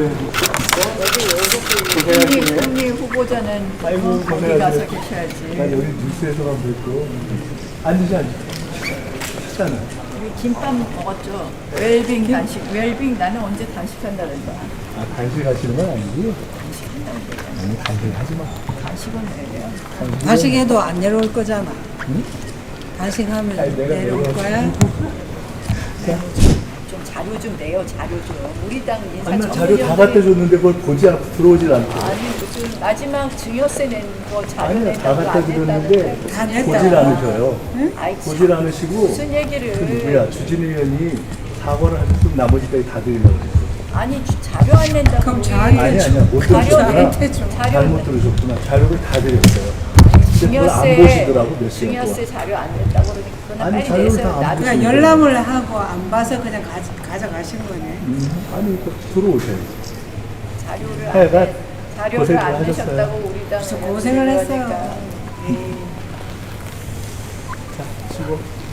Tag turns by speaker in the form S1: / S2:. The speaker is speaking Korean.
S1: 국리 후보자는
S2: 아이고,
S1: 거기
S2: 고생하세요.
S1: 가서 계셔야지.
S2: 난 여기 뉴스에서만 뵙고. 앉으자. 하잖아.
S1: 우리 김밥 먹었죠. 웰빙 단식. 웰빙 나는 언제 단식한다 그랬다.
S2: 아, 단식 하시는 건 아니지? 아니, 단식 하지 마.
S1: 단식은 왜요?
S3: 단식해도 안 내려올 거잖아.
S2: 응?
S3: 단식하면
S2: 아니, 내가
S3: 내려올
S2: 내려올
S3: 거야?
S1: 좀 자료 좀 내요. 자료 좀. 우리 당 인사
S2: 아니, 나 자료 다 갖다 줬는데 그걸 보지 않고 들어오질 않고.
S1: 아니 무슨 마지막 증여세 낸 거 자료
S2: 아니요, 다
S1: 낸다고
S2: 갖다
S1: 안
S2: 드렸는데
S1: 냈다는데
S3: 다 냈다.
S2: 보질 않으셔요.
S1: 아이
S2: 보질
S1: 참,
S2: 않으시고.
S1: 무슨 얘기를
S2: 그 누구야, 주진 의원이 사과를 하셨으면 나머지까지 다 드리려고 그랬어.
S1: 아니 자료 안 낸다고
S3: 그럼
S1: 우리
S3: 자료
S2: 아니야, 못
S1: 자료
S2: 들으셨구나.
S3: 나한테 줘.
S2: 잘못 들으셨구나. 자료를 다 드렸어요. 근데 그걸 안 보시더라고, 몇 시간 동안.
S1: 증여세 자료 안 냈다고 그러니까 그거는
S2: 아니,
S1: 빨리
S2: 자료를
S1: 내세요.
S2: 다안
S1: 나도
S2: 보시고.
S3: 그냥 열람을 하고 안 봐서 그냥 가져가신 거네.
S2: 아니, 또 들어오셔야지.
S1: 자료를 안
S2: 하여간
S1: 내- 자료를
S2: 고생을
S1: 안
S2: 하셨어요.
S1: 내셨다고 우리 당
S3: 무슨 고생을 했어요.
S1: 그러니까.
S2: 자, 수고.